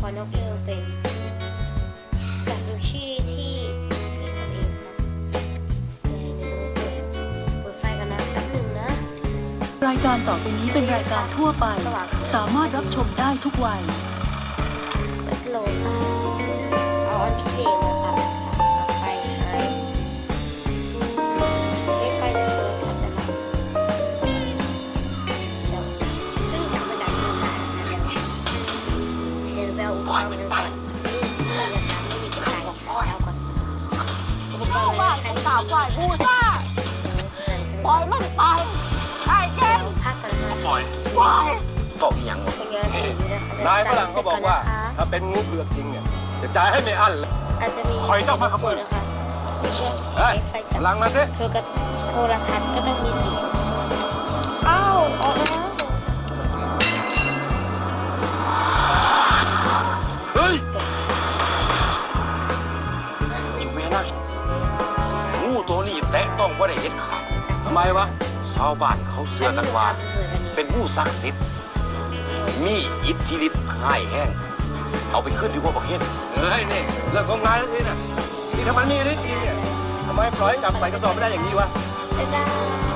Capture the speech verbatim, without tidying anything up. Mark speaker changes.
Speaker 1: อนกเรือเป็นจากซูชิที่พี่ทำเองค่ะเดี๋ยวเปิดเปิดไฟกันนะแป๊บหนึ่งนะ
Speaker 2: รายการต่อไปนี้เป็นรายการทั่วไปสามารถรับชมได้ทุกวัย
Speaker 1: เปิดโหลดค่ะเอาอันพิเศษมาตัดตัดไฟให้ใช้ไฟเดิมค่ะแต่ละเดี๋ยวซึ่งจะมาดับมือค่ะเดี๋ยวเดี๋ยวแววอุปกรณ์ก่อนนี่นี่จะทำไม่มีกระจายแล้วก่อนอุปกรณ์อะไรใครตอบปล่อยพูดว่าปล่อยมันไปไอ้เจ้าพักกันนะปล่อยปล่อย
Speaker 3: บอกอย่างหมดนายฝรั่งเขาบอกว่าถ้าเป็นงูเผือกจริงเนี่ยจะจ่ายให้ไม่อั้นเลย
Speaker 1: อาจจะมี
Speaker 3: คอยเจ้ามาขโมย
Speaker 1: นะคะ
Speaker 3: เฮ้ยพลังมาสิ
Speaker 1: โทรโทรทัศน์ก็ต้องมีสีอ้าวออกแล้ว
Speaker 3: เฮ้ยจุ๊บแม่นะงูตัวนี้แตะต้องว่าได้เห็นขาดทำไมวะชาวบ้านเขาเชื่อกันว่าเป็นงูศักดิ์สิทธิ์มีอิทธิฤทธิ์ง่ายแห้งเอาไปขึ้นดีกว่าบอกเห็นเฮ้ยนี่เรื่องของงานแล้วทีน่ะนี่ถ้ามันมีฤทธิ์จริงเนี่ยทำไมปล่อยให้จับใส่กระสอบไม่ได้อย่างนี้วะ
Speaker 1: ไม่ได้